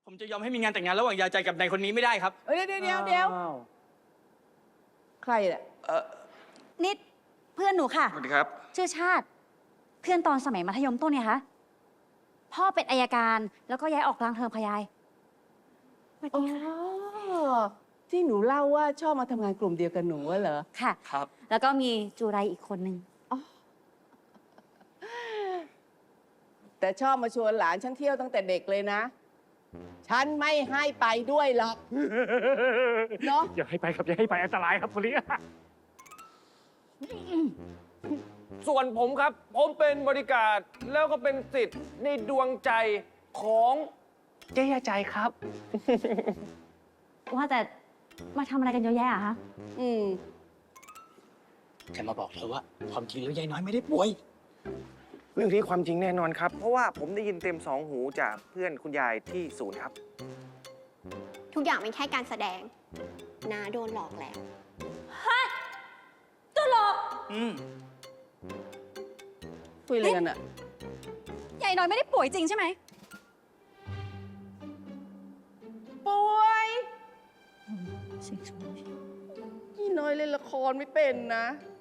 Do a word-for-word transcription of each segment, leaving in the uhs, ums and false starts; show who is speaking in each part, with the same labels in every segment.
Speaker 1: ผมจะยอมให้มีงานแต่งงานระหว่างยาใจกับนายคนนี้ไม่ได้ครับ
Speaker 2: เดี๋ยวเดี๋ยวเดี๋ยวเดี๋ยวใครเนี่ย
Speaker 1: เออ
Speaker 3: นิดเพื่อนหนูค่ะ
Speaker 1: สวัสดีครับ
Speaker 3: ชื่อชาติ เพื่อนตอนสมัยมัธยมต้นเนี่ยคะพ่อเป็นอัยการแล้วก็ย้ายออกกลางเทอมพยายสวัส
Speaker 2: อ๋
Speaker 3: ดีค่ะ
Speaker 2: อที่หนูเล่าว่าชอบมาทำงานกลุ่มเดียวกับหนูอะเหรอ
Speaker 3: ค่ะ
Speaker 1: ครับ
Speaker 3: แล้วก็มีจูไรอีกคนนึง
Speaker 2: แต่ชอบมาชวนหลานฉันเที่ยวตั้งแต่เด็กเลยนะ ฉันไม่ให้ไปด้วยหรอก เนาะ
Speaker 4: อย่าให้ไปครับอย่าให้ไปอันตรายครับคนนี้
Speaker 5: ส่วนผมครับ ผมเป็นบริการแล้วก็เป็นสิทธิ์ในดวงใจของเจ๊ยาใจครับ
Speaker 3: ว่าแต่มาทำอะไรกันเยอะแยะอะคะ
Speaker 2: อืม
Speaker 1: แค่มาบอกเธอว่าความจริงแล้วยายน้อยไม่ได้ป่วย
Speaker 5: เรื่องนี้ความจริงแน่นอนครับ เพราะว่าผมได้ยินเต็มสองหูจากเพื่อนคุณยายที่ศูนย์ครับ
Speaker 6: ทุกอย่างเป็นแค่การแสดงน้าโดนหลอกแล้ว
Speaker 3: ตัวหลอก
Speaker 1: อืม
Speaker 2: คุยอะไรกันอะ
Speaker 3: ยายน้อยไม่ได้ป่วยจริงใช่ไหม
Speaker 2: ป่วยพี่น้อยเล่นละครไม่เป็นนะ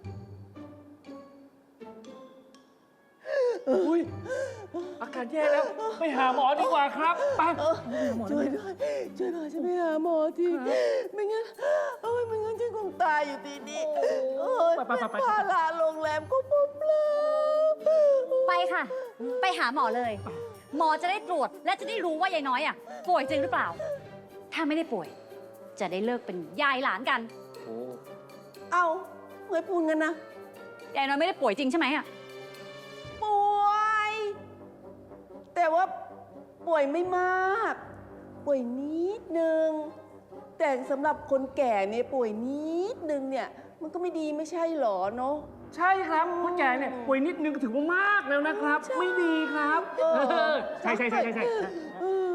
Speaker 4: อุ้ยอาการแย่แล้ว ไปหาหมอดีกว่าครับไป
Speaker 2: ช่วยด้วยช่วยหน่อยฉันไปหาหมอทีไม่งั้นโอ้ยไม่งั้นฉันคงตายอยู่ที่นี่โอ้ยเป็นภาระโรงแรมก็ปุ๊บเลย
Speaker 3: ไปค่ะ ไปหาหมอเลย หมอจะได้ตรวจและจะได้รู้ว่ายายน้อยอ่ะป่วยจริงหรือเปล่า ถ้าไม่ได้ป่วย จะได้เลิกเป็นยายหลานกัน
Speaker 2: เอาเงยพูนกันนะ
Speaker 3: ยายน้อยไม่ได้ป่วยจริงใช่ไหมอ่ะ
Speaker 2: ป่วย แต่ว่าป่วยไม่มาก ป่วยนิดนึง แต่สำหรับคนแก่เนี่ยป่วยนิดนึงเนี่ย มันก็ไม่ดีไม่ใช่หรอเนาะ
Speaker 4: ใช่ครับคนแก่เนี่ยป่วยนิดนึงถือว่ามากแล้วนะครับ ไม่ดีครับ
Speaker 2: เออ
Speaker 4: เออใช่ใช่ใช่ใช่ใช่
Speaker 2: เออ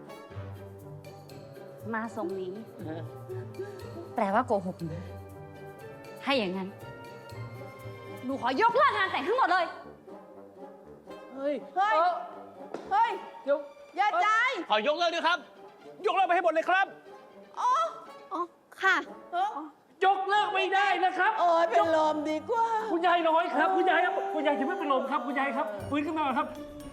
Speaker 3: มาทรงนี้ แปลว่าโกหกหนูให้อย่างนั้น หนูขอยกเลิกงานแต่งทั้งหมดเลย
Speaker 4: เฮ้ย
Speaker 2: เฮ้ย
Speaker 4: เออ
Speaker 2: เฮ้ย
Speaker 4: เดี๋ยว
Speaker 2: อย่าใจ
Speaker 1: ขอยกเลิกด้วยครับ ยกเลิกไปให้หมดเลยครับ
Speaker 2: อ๋อ
Speaker 6: อ๋อ ค่ะ
Speaker 2: เออย
Speaker 4: กเลิกไม่ได้นะครับ
Speaker 2: โอ้ยเป็นลมดีกว่า
Speaker 4: คุณยายน้อยครับ คุณยายครับคุณยายจะไม่เป็นลมครับ คุณยายครับฟื้นขึ้นมาก่อนครับ